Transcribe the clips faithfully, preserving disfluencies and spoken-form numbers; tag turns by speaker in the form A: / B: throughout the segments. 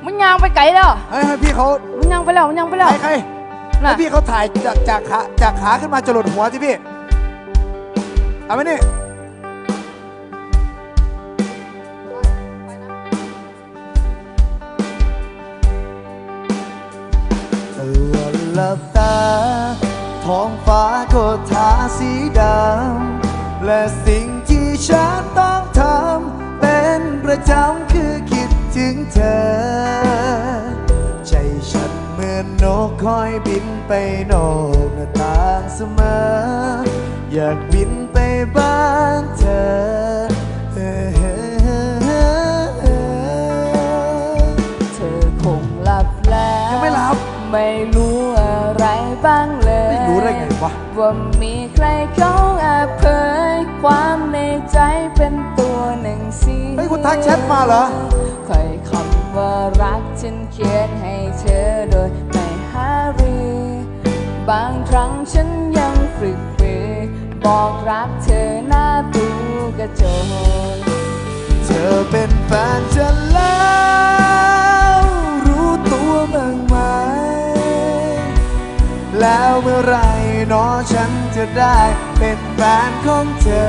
A: มันยางไปไกลแล้ว
B: ให้ให้พี่เขา
A: มันยางไปแล้วมันยางไปแล้ว
B: ใครใครให้พี่เขาถ่ายจากจากขาจากขาขึ้นมาจรดหัวที่พี่เอาไหมนี่หลับตาท้องฟ้าก็ทาสีดำและสิ่งที่ฉันต้องทำเป็นประจำคือคิดถึงเธอใจฉันเหมือนนกคอยบินไปนอกหน้าต่างเสมออยากบินไปบ้านเธอเ
A: ธอคงหลับแล้ว
B: ยังไม่หลับ
A: ไม่รู้อะไรบ้างเลย
B: ไม่รู้ได้ไงวะ
A: ว่ามีใครเขาแอบเผยความในใจเป็นตัวหนังสือ
B: เฮ้ยคุณทักแชทมาเหรอ
A: คอยคำว่ารักฉันเขียนให้เธอโดยไม่หารือบางครั้งฉันยังฝึกฝืนบอกรักเธอหน้าตู้กระจก
B: เธอเป็นแฟนฉันแล้วรู้ตัวบ้างไหมแล้วเมื่อไรน้อฉันจะได้เป็นแฟนของเธอ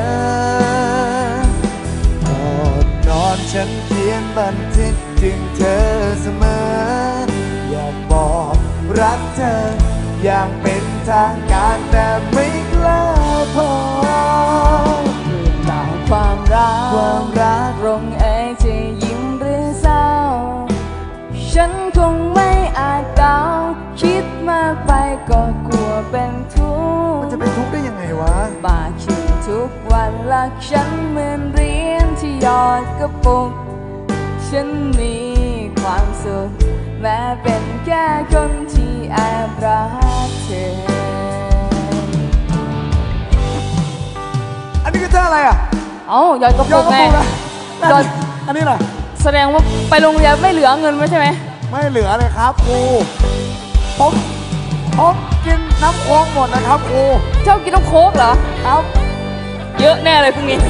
B: ก่อนนอนฉันเขียนบันทึกถึงเธอเสมออยากบอกรักเธออย่างเป็นทางการแต่ไม่กล้าพอ
A: เรื่องราวความรัก
B: ความรัก
A: ลงเอยจะยิ้มหรือเศร้าฉันคงไม่อาจเดาคิดมากไปก็กลัวเป็นทุกข์
B: มันจะเป็นทุกข์ได้ยังไงวะ
A: บาคิดทุกวันรักฉันเหมือนเหรียญที่หยอดกระปุกฉันมีความสุขแม้เป็นแค่คนที่แอบรักเธอ
B: อันนี้คือเธออะไรอ่ะ
A: เอ้าหยอดกระปุกไงหยอด
B: อันนี้ล่ะ
A: แสดงว่าไปโรงเรียนไม่เหลือเงินไว้ใช่ไหม
B: ไม่เหลือเลยครับครูผมผมกินน้ำโค้กหมดนะครับครู
A: เจ้ากินน้ำโค้กเหรอ
B: ครับ
A: เยอะแน่เลยพรุ่งนี้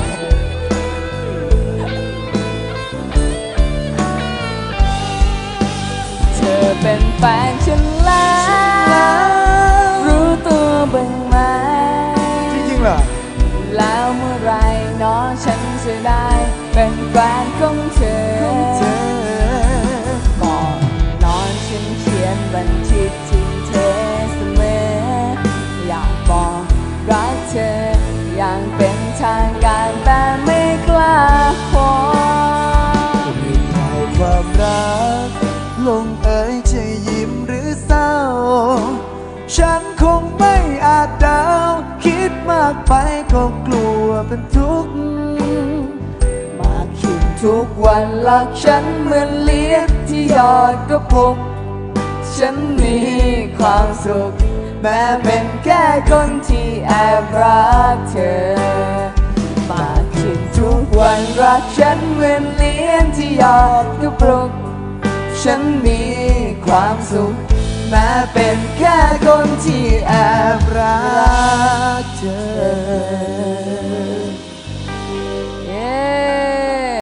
A: เธอเป็นแฟนฉันแล้วรู้ตัวบ้างไหม
B: จริงๆเหรอ
A: แล้วเมื่อไรน้องฉันจะได้เป็นแฟนของเธอก่อนนอนฉันเขียนบันทึกถึงเธอเสมออยากบอกรักเธออย่างเป็นทางการแต่ไม่กล้าขอ
B: ความรักลงเอ่ยจะยิ้มหรือเศร้าฉันคงไม่อาจเดาคิดมากไปก็กลัวเป็นทุกข์
A: มากขึ้นทุกวันรักฉันเหมือนเหรียญที่หยอดกระปุกฉันมีความสุขแม้เป็นแค่คนที่แอบรักเธอมากขึ้นทุกวันรักฉันเหมือนเหรียญที่หยอดกระปุกฉันมีความสุขแม้เป็นแค่คนที่แอบรักเธอ